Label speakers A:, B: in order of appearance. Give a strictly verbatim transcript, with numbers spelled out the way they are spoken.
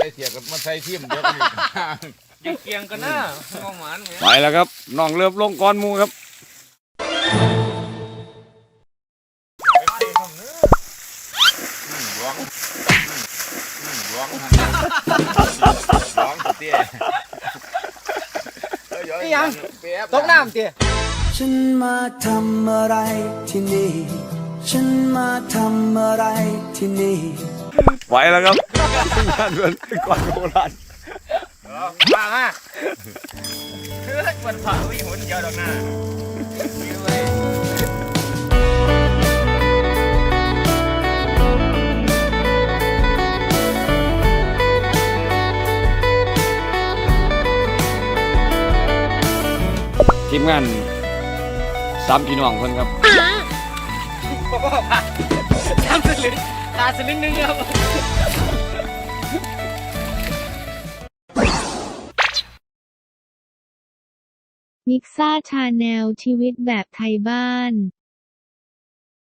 A: ส่เสียกับมาใส่ทีมเดียวกัน
B: ยังเกียงกันนะมองหมาน
C: ไปแล้วครับน้องเลือบลงก้อนมูครับ
A: ร้องร้องร้องเตี้ย
B: ยังตกน้ำเตี้ย
D: ฉันมาทำอะไรที่นี่ฉันมาทำอะไรที่นี่
C: ไปแล้วครับงานเดินก่อนโบราณ
B: มาฮะเฮ้ยมันผ่าวิ่งหุ่นเดียวดอกหน้า
C: ทีมงานสามพี่น้องคนครับ
B: สามสลึงตาสลึงนึงครับ
E: นิกซ่าชาแนลชีวิตแบบไทยบ้าน